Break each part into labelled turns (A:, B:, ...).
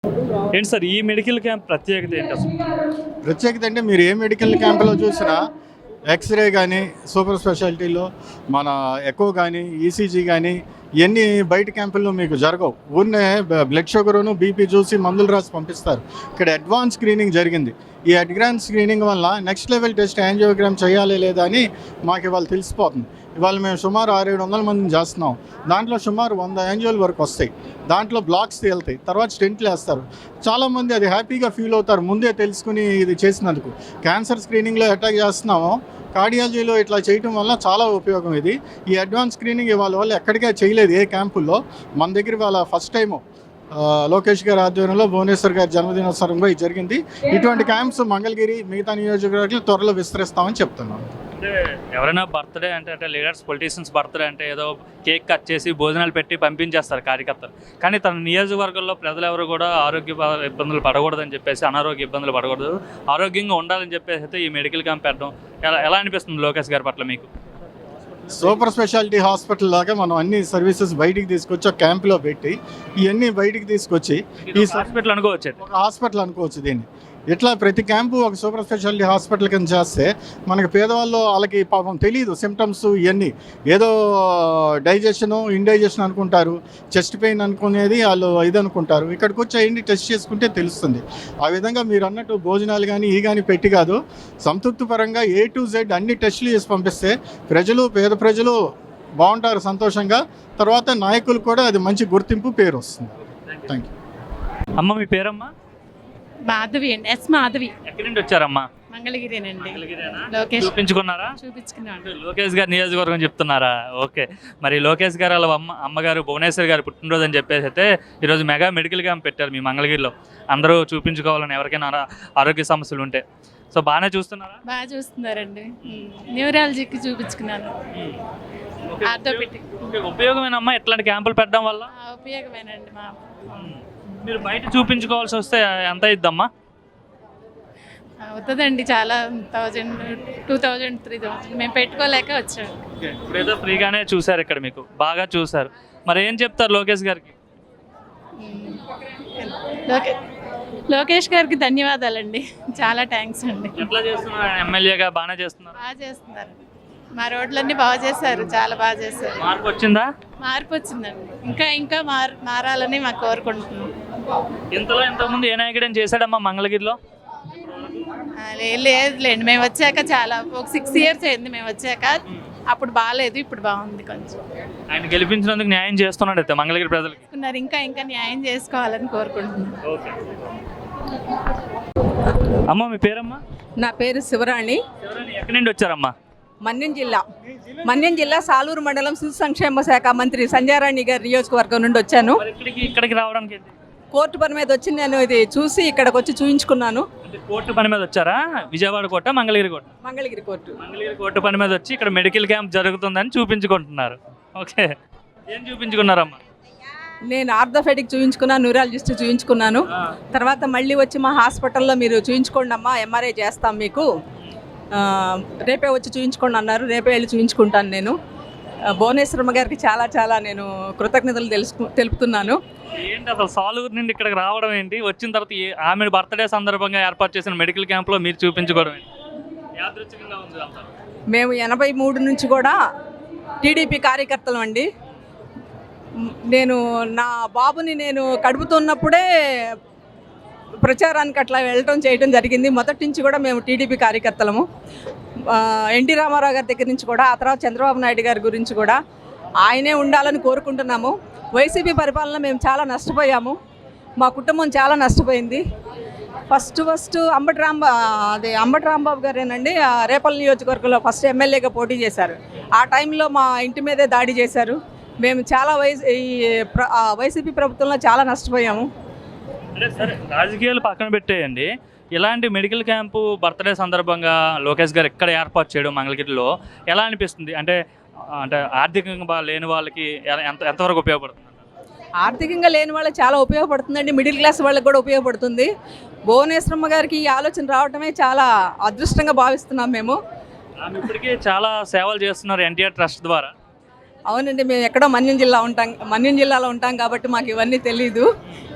A: ఏంటి సార్ ఈ medical camp ప్రత్యేకత ఏంటి అసలు?
B: ప్రత్యేకత అంటే మీరు ఏ మెడికల్ క్యాంపులో చూసినా ఎక్స్రే కానీ సూపర్ స్పెషాలిటీలో మన ఎకో కానీ ఈసీజీ కానీ ఇవన్నీ బయట క్యాంపుల్లో మీకు జరగవు. ఊరినే బ్లడ్ షుగర్ను బీపీ చూసి మందులు రాసి పంపిస్తారు. ఇక్కడ అడ్వాన్స్ స్క్రీనింగ్ జరిగింది. ఈ అడ్వాన్స్ స్క్రీనింగ్ వల్ల నెక్స్ట్ లెవెల్ టెస్ట్ యాంజియోగ్రామ్ చేయాలి లేదా అని మాకు ఇవాళ తెలిసిపోతుంది. ఇవాళ మేము సుమారు 600-700 మందిని చేస్తున్నాం. దాంట్లో సుమారు 100 యాంజియోల వరకు వస్తాయి. దాంట్లో బ్లాక్స్ తేలుతాయి, తర్వాత స్టెంట్లు వేస్తారు. చాలామంది అది హ్యాపీగా ఫీల్ అవుతారు ముందే తెలుసుకుని ఇది చేసినందుకు. క్యాన్సర్ స్క్రీనింగ్లో అటాక్ చేస్తున్నామో కార్డియాలజీలో ఇట్లా చేయటం వల్ల చాలా ఉపయోగం ఇది. ఈ అడ్వాన్స్ స్క్రీనింగ్ ఇవాళ వాళ్ళు ఎక్కడికే చేయలేదు ఏ క్యాంపుల్లో. మన దగ్గర వాళ్ళ ఫస్ట్ టైము లోకేష్ గారి ఆధ్వర్యంలో భువనేశ్వర్ గారి జన్మదినోత్సవంగా ఇది జరిగింది. ఇటువంటి క్యాంప్స్ మంగళగిరి మిగతా నియోజకవర్గాలు త్వరలో విస్తరిస్తామని చెప్తున్నాం.
A: అంటే ఎవరైనా బర్త్డే అంటే లీడర్స్ పొలిటీషియన్స్ బర్త్డే అంటే ఏదో కేక్ కట్ చేసి భోజనాలు పెట్టి పంపించేస్తారు కార్యకర్తలు. కానీ తన నియోజకవర్గంలో ప్రజలు ఎవరు కూడా ఆరోగ్య ఇబ్బందులు పడకూడదని చెప్పేసి, అనారోగ్య ఇబ్బందులు పడకూడదు, ఆరోగ్యంగా ఉండాలని చెప్పేసి అయితే ఈ మెడికల్ క్యాంప్ పెట్టడం ఎలా అనిపిస్తుంది లోకేష్ గారి పట్ల మీకు?
B: సూపర్ స్పెషాలిటీ హాస్పిటల్ లాగా మనం అన్ని సర్వీసెస్ బయటికి తీసుకొచ్చి ఒక క్యాంప్లో పెట్టి ఇవన్నీ బయటికి తీసుకొచ్చి ఈ
A: హాస్పిటల్ అనుకోవచ్చు,
B: ఒక హాస్పిటల్ అనుకోవచ్చు దీన్ని. ఇట్లా ప్రతి క్యాంపు ఒక సూపర్ స్పెషాలిటీ హాస్పిటల్ కింద చేస్తే మనకి పేదవాళ్ళు వాళ్ళకి పాపం తెలియదు సిమ్టమ్స్ ఇవన్నీ. ఏదో డైజెషను ఇండైజెషన్ అనుకుంటారు, చెస్ట్ పెయిన్ అనుకునేది వాళ్ళు ఇది అనుకుంటారు. ఇక్కడికి వచ్చి అవన్నీ టెస్ట్ చేసుకుంటే తెలుస్తుంది. ఆ విధంగా మీరు అన్నట్టు భోజనాలు కానీ ఈ కానీ పెట్టి కాదు, సంతృప్తిపరంగా A to Z అన్ని టెస్టులు చేసి పంపిస్తే పేద ప్రజలు బాగుంటారు సంతోషంగా. తర్వాత నాయకులు కూడా అది మంచి గుర్తింపు పేరు వస్తుంది. Thank you.
A: అమ్మ మీ పేరమ్మా?
C: మాధవి అండి. మాధవి.
A: ఎక్కడి నుండి వచ్చారమ్మా?
C: మంగళగిరేనండి.
A: లోకేష్ చూపించుకున్నారా?
C: చూపించుకున్నాను.
A: లోకేష్ గారి నియోజకవర్గం చెప్తున్నారా? ఓకే. మరి లోకేష్ గారు వాళ్ళ అమ్మగారు భువనేశ్వర్ గారు పుట్టినరోజు అని చెప్పేసి అయితే ఈరోజు మెగా మెడికల్ క్యాంప్ పెట్టారు మీ మంగళగిరిలో. అందరూ చూపించుకోవాలని ఎవరికైనా ఆరోగ్య సమస్యలు ఉంటే. సో బాగానే చూస్తున్నారా?
C: బాగా చూస్తున్నారండి. న్యూరాలజీకి చూపించుకున్నాను. ఆర్థోపెడిక్.
A: ఉపయోగమేనమ్మా ఇట్లాంటి క్యాంపులు పెట్టడం వల్ల?
C: ఉపయోగమేనండి.
A: మీరు బయట చూపించుకోవాల్సి వస్తే ఎంత అయిద్దమ్మా?
C: అవుతుందండి, చాలా 1000, 2000, 3000 మేము పెట్టుకోలేక వచ్చాము.
A: ఇప్పుడేదో ఫ్రీగానే చూసారు ఇక్కడ, మీకు బాగా చూసారు. మరి ఏం చెప్తారు లోకేష్ గారికి?
C: లోకేష్ గారికి ధన్యవాదాలండి, చాలా థ్యాంక్స్ అండి.
A: ఎట్లా చేస్తున్నారు? ఎమ్మెల్యేగా బాగానే చేస్తున్నారు?
C: బాగా చేస్తున్నారు. మా రోడ్లన్నీ బాగా చేశారు, చాలా బాగా చేశారు.
A: మార్పు వచ్చిందా?
C: మార్పు వచ్చిందండి. ఇంకా మారాలని మాకు కోరుకుంటున్నాం.
A: ఇంతకుముందు ఏ నాయకుడని చేశాడమ్మా మంగళగిరిలో?
C: లేదులేండి, మేము వచ్చాక చాలా ఒక 6 years అయింది మేము వచ్చాక. అప్పుడు బాగాలేదు, ఇప్పుడు బాగుంది కొంచెం.
A: ఆయన గెలిపించినందుకు న్యాయం చేస్తున్నాడు అయితే మంగళగిరి ప్రజలకి.
C: ఇంకా న్యాయం చేసుకోవాలని కోరుకుంటున్నాను.
A: అమ్మ మీ పేరమ్మా?
D: నా పేరు శివరాణి.
A: ఎక్కడి నుండి వచ్చారమ్మా?
D: మన్యం జిల్లా సాలూరు మండలం శిశు సంక్షేమ శాఖ మంత్రి సంధ్యారాణి గారి నియోజకవర్గం నుండి వచ్చాను.
A: ఇక్కడికి రావడానికి
D: కోర్టు పని మీద వచ్చి నేను ఇది చూసి ఇక్కడికి వచ్చి చూయించుకున్నాను.
A: కోర్టు పని మీద వచ్చారా? Vijayawada court, Mangalagiri court?
D: Mangalagiri
A: court పని మీద వచ్చి ఇక్కడ మెడికల్ క్యాంప్ జరుగుతుందని చూపించుకుంటున్నారు. ఓకే, ఏం చూపించుకున్నారమ్మా?
D: నేను ఆర్థోపెడిక్ చూయించుకున్నాను, న్యూరాలజిస్ట్ చూయించుకున్నాను. తర్వాత మళ్ళీ వచ్చి మా హాస్పిటల్లో మీరు చూయించుకోండి అమ్మా, MRI చేస్తాం మీకు, రేపే వచ్చి చూయించుకోండి అన్నారు. రేపే వెళ్ళి చూయించుకుంటాను. నేను భువనేశ్వరమ్మ గారికి చాలా నేను కృతజ్ఞతలు తెలుపుతున్నాను.
A: ఏంటి అసలు సాలూరు నుండి ఇక్కడికి రావడం ఏంటి? వచ్చిన తర్వాత ఆమె బర్త్డే సందర్భంగా ఏర్పాటు చేసిన మెడికల్ క్యాంప్లో మీరు చూపించుకోవడం ఏంటి? యాదృచ్ఛికంగా ఉంది అంతా.
D: మేము 83 నుంచి కూడా టీడీపీ కార్యకర్తలం అండి. నేను నా బాబుని నేను కడుపుతున్నప్పుడే ప్రచారానికి అట్లా చేయడం జరిగింది. మొదటి నుంచి కూడా మేము టీడీపీ కార్యకర్తలము. ఎన్టీ రామారావు గారి దగ్గర నుంచి కూడా, ఆ తర్వాత చంద్రబాబు నాయుడు గారి గురించి కూడా ఆయనే ఉండాలని కోరుకుంటున్నాము. వైసీపీ పరిపాలన మేము చాలా నష్టపోయాము, మా కుటుంబం చాలా నష్టపోయింది. ఫస్ట్ అంబటి రాంబాబు గారేనండి రేపల్ నియోజకవర్గంలో ఫస్ట్ ఎమ్మెల్యేగా పోటీ చేశారు. ఆ టైంలో మా ఇంటి మీదే దాడి చేశారు. మేము చాలా వైసీపీ ప్రభుత్వంలో చాలా నష్టపోయాము.
A: అంటే సరే, రాజకీయాలు పక్కన పెట్టేయండి. ఇలాంటి మెడికల్ క్యాంపు బర్త్డే సందర్భంగా లోకేష్ గారు ఎక్కడ ఏర్పాటు చేయడం మంగళగిరిలో ఎలా అనిపిస్తుంది? అంటే ఆర్థికంగా లేని వాళ్ళకి ఎంతవరకు ఉపయోగపడుతుంది?
D: ఆర్థికంగా లేని వాళ్ళకి చాలా ఉపయోగపడుతుందండి. మిడిల్ క్లాస్ వాళ్ళకి కూడా ఉపయోగపడుతుంది. భువనేశ్వరమ్మ గారికి ఈ ఆలోచన రావడమే చాలా అదృష్టంగా భావిస్తున్నాం మేము.
A: ఇప్పటికీ చాలా సేవలు చేస్తున్నారు NTR ట్రస్ట్ ద్వారా.
D: అవునండి, మేము ఎక్కడో మన్యం జిల్లాలో ఉంటాం కాబట్టి మాకు ఇవన్నీ తెలీదు.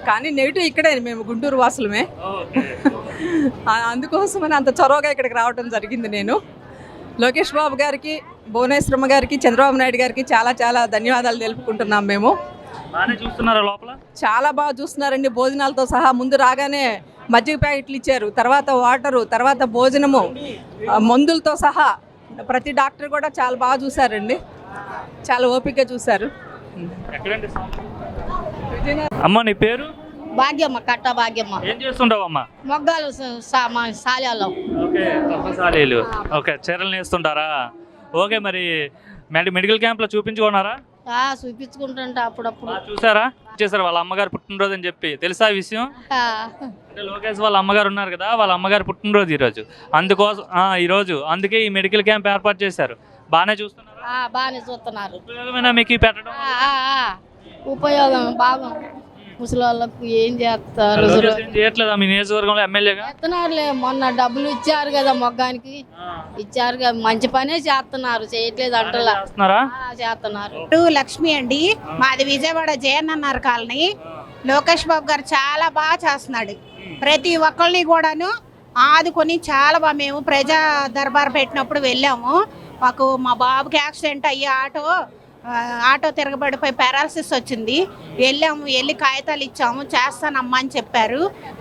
D: కానీ నెగిటివ్ ఇక్కడే, మేము గుంటూరు వాసులమే. అందుకోసమని అంత చొరవగా ఇక్కడికి రావడం జరిగింది. నేను లోకేష్ బాబు గారికి, భువనేశ్వరమ్మ గారికి, చంద్రబాబు నాయుడు గారికి చాలా చాలా ధన్యవాదాలు తెలుపుకుంటున్నాం. మేము
A: బాగానే చూస్తున్నారా లోపల?
D: చాలా బాగా చూస్తున్నారండి. భోజనాలతో సహా ముందు రాగానే మజ్జిగ ప్యాకెట్లు ఇచ్చారు, తర్వాత వాటరు, తర్వాత భోజనము, మందులతో సహా ప్రతి డాక్టర్ కూడా చాలా బాగా చూశారండి. చాలా ఓపికగా చూశారు.
A: ఎక్కడండి అమ్మ నీ పేరు?
E: భాగ్యమ్మ, కట్ట భాగ్యమ్మ.
A: ఏం చేస్తుంటావు అమ్మ?
E: మొగ్గాలు సాల్యాలో.
A: ఓకే, తప్పసాలీలు. ఓకే, చీరలు నేస్తుంటారా? ఓకే, మరి మెడికల్ క్యాంప్లో చూపించుకున్నారా?
E: చూపించుకుంటుంటా అప్పుడప్పుడు.
A: చూసారా? చేశారు వాళ్ళ అమ్మగారు పుట్టినరోజు అని చెప్పి, తెలుసా ఈ విషయం? అంటే లోకేష్ వాళ్ళ అమ్మగారు ఉన్నారు కదా, వాళ్ళ అమ్మగారు పుట్టినరోజు ఈరోజు. అందుకోసం ఈరోజు అందుకే ఈ మెడికల్ క్యాంప్ ఏర్పాటు చేశారు. బాగానే చూస్తున్నారా?
E: బాగానే చూస్తున్నారు.
A: ఉపయోగమేనా మీకు ఈ పెట్టడం?
E: ఉపయోగం బాగా. ముసలి వాళ్ళకు ఏం చేస్తారు?
A: లోకేష్ ఏం చేయట్లేదా మీ నియోజకవర్గంలో ఎమ్మెల్యేగా?
E: చేస్తున్నారులే, మొన్న డబ్బులు ఇచ్చారు కదా మొగ్గానికి, ఇచ్చారు కదా, మంచి పనే చేస్తున్నారు. చేయట్లేదు అంటలా, చేస్తున్నారు.
C: లక్ష్మి అండి, మాది విజయవాడ జయన్నర్ కాలనీ. లోకేష్ బాబు గారు చాలా బాగా చేస్తున్నాడు. ప్రతి ఒక్కరిని కూడాను ఆదుకొని చాలా బాగా. మేము ప్రజా దర్బార్ పెట్టినప్పుడు వెళ్ళాము. మా బాబుకి యాక్సిడెంట్ అయ్యి ఆటో తిరగబడిపోయి పారాలసిస్ వచ్చింది. వెళ్ళి కాగితాలు ఇచ్చాము, చేస్తానమ్మా అని చెప్పారు.